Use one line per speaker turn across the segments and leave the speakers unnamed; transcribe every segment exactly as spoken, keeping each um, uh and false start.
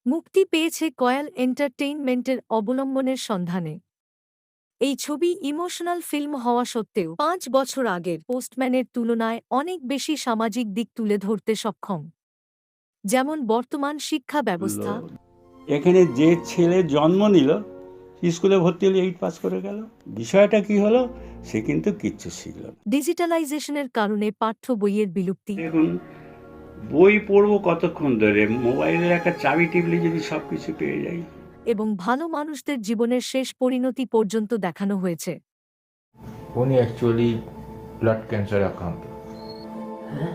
মুক্তি পেয়েছে কয়াল এন্টারটেইনমেন্টের অবলম্বনের সন্ধানে। এই ছবি ইমোশনাল ফিল্ম হওয়া সত্ত্বেও পাঁচ বছর আগের পোস্টম্যানের তুলনায় অনেক বেশি সামাজিক দিক তুলে ধরতে সক্ষম, যেমন বর্তমান শিক্ষা ব্যবস্থা।
এখানে যে ছেলে জন্ম নিল, স্কুলে ভর্তি হলে এইট পাস করে গেল, বিষয়টা কি হলো সে কিন্তু কিচ্ছু শিখল না।
ডিজিটালাইজেশনের কারণে পাঠ্য বইয়ের বিলুপ্তি।
এখন বই পড়বো কতক্ষণ ধরে, মোবাইলের একটা চাবি টিপলে যদি সব কিছু পেয়ে যাই।
এবং ভালো মানুষদের জীবনের শেষ পরিণতি পর্যন্ত দেখানো হয়েছে।
উনি অ্যাকচুয়ালি ব্লাড ক্যান্সারে আক্রান্ত।
হ্যাঁ,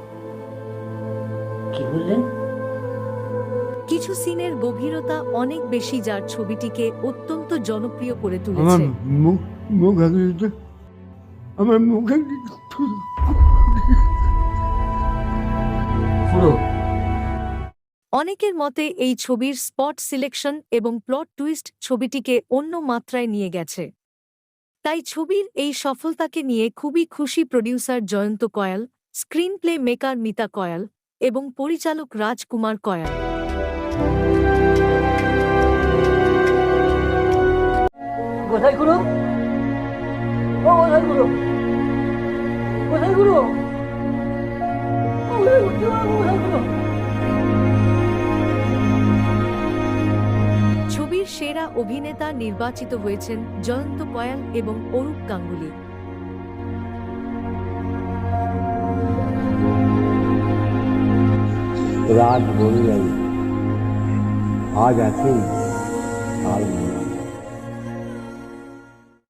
কি বললেন?
কিছু সিনের গভীরতা অনেক বেশি, যার ছবিটিকে অত্যন্ত জনপ্রিয় করে
আমার
তুলেছে।
মুখ মুখ আগে আমার মুখে
পুরো
অনেকের মতে এই ছবির স্পট সিলেকশন এবং প্লট টুইস্ট ছবিটিকে অন্য মাত্রায় নিয়ে গেছে। তাই ছবির এই সফলতাকে নিয়ে খুবই খুশি producer Jayanta Kayal, screenplay maker Mita Kayal এবং পরিচালক রাজকুমার কয়াল।
কোথায় গুরু? ও কোথায় গুরু? কোথায় গুরু? কোথায় গুরু?
ছবির সেরা অভিনেতা নির্বাচিত হয়েছেন জয়ন্ত কয়াল এবং অরূপ গাঙ্গুলি।
রাত বদলে যাবে, আজ আছেই কাল